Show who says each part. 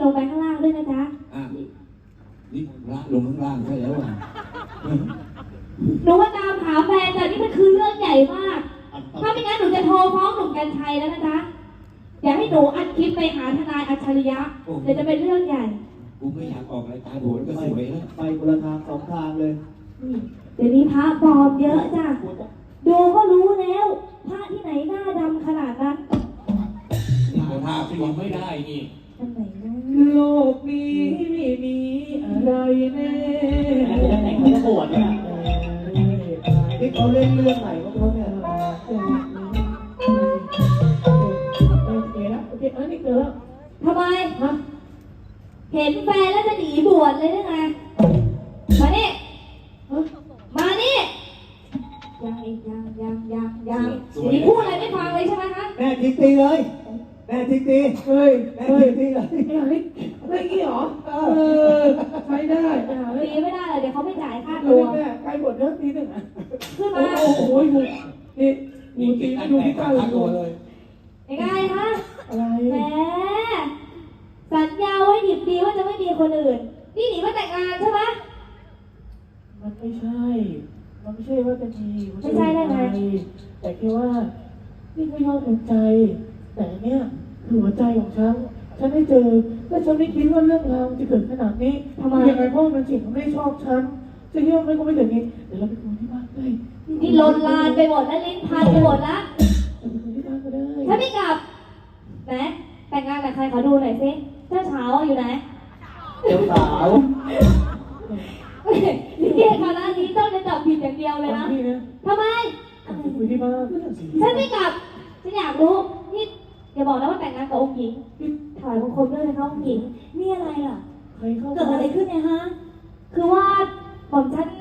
Speaker 1: งไปข้างล่างด้วยนะจ๊ะ
Speaker 2: นี่พระลงข้างล่างใช่แล้วอ่ะ
Speaker 1: หนูว่าตามหาแฟนแต่นี่มันคือเรื่องใหญ่มากถ้าไม่งั้นหนูจะโทรฟ้องหนุ่มกรรชัยแล้วนะจ๊ะอย่าให้หนูอัดคลิปไปหาทนายอัจฉริยะเดี๋ยวจะเป็นเรื่องใหญ่
Speaker 2: กูไม่อยากออกรายการโหนก็สวยแล้ว
Speaker 3: ไปคนละทางสองทางเลย
Speaker 1: เดี๋ยวนี้พระปลอมเยอะจ้ะดูก็รู้แล้วพระที่ไหนหน้าดำขนาดนั้น
Speaker 2: ภาพที่ยังไม่ได้นี่
Speaker 1: อันไหนนะ
Speaker 3: โลกนี้ไม่มีอะไรแน่แต่เขาจะปวดเนี่ยนี่เขาเล่นเรื่องไหนก็เพราะเนี่ยโอเคแล้วโอเคนี่เกิดแล้ว
Speaker 1: ทำไมเห็นแฟนแล้วจะหนีบวชเลยได้ไงมานี่มานี่ยังอีกยังเดี๋ยวนี้พูดอะไรไม่ฟังเลยใช่ไหมคะ
Speaker 3: แม่ทิ้งตีเลยแม่ทิ้งตีเฮ้ยแม่ทิ้งตีเลยไม่กี่หรอใช้ได้
Speaker 1: ตีไม่ได้เลยเดี๋ยวเขาไม่จ่ายค่าตัว
Speaker 3: แม่ใกล้หมดแล้วตีหนึ่ง
Speaker 1: ขึ้นมา
Speaker 3: โอ้โหนี่ตีดูที่ก้าวเลย
Speaker 1: ยังไงคะ
Speaker 3: อะไร
Speaker 1: แหมสัญญาไว้ดิบดีว่าจะไม่มีคนอื่นนี่หนีมาแต่งงานใช่ไหม
Speaker 3: มันไม่ใช่ว่าจะมี
Speaker 1: ไม่ใช่ได้ไง
Speaker 3: แต่แค่ว่านี่ไม่ยอมหัวใจแต่เนี่ยคือหัวใจของฉันได้เจอและฉันไม่คิดว่าเรื่องราวจะเกิดขนาดนี้
Speaker 1: ทำไม
Speaker 3: ยังไงพ่อมันจิตมันไม่ชอบฉันจะเยี่ยมไม่ก็ไม่ถึงนี้เดี๋ยวเราไปคุยที่บ้านได้
Speaker 1: นี่ลนลานไปหมดแล้วลิ้นพันไปหมดแล้ว
Speaker 3: ที่บ้านก็ได้
Speaker 1: ถ้าไม่กลับไหนแต่งงานกับใครขอดูหน่อยสิเจ้าสาวอยู่ไหน
Speaker 3: เจ้าสาว
Speaker 1: นี่คณะนี้ต้องจะจับผิดอย่างเดียวเลยนะทำไม
Speaker 3: คุยที่บ้าน
Speaker 1: ฉันไม่กลับฉันอยากรู้นี่อย่าบอกนะว่าแต่งงานกับองค์หญิงถอยมงคลด้วยนะคะองค์หญิงนี่อะไรล่ะเกิดอะไรขึ้นเนี่ยฮะคือว่าผมฉัน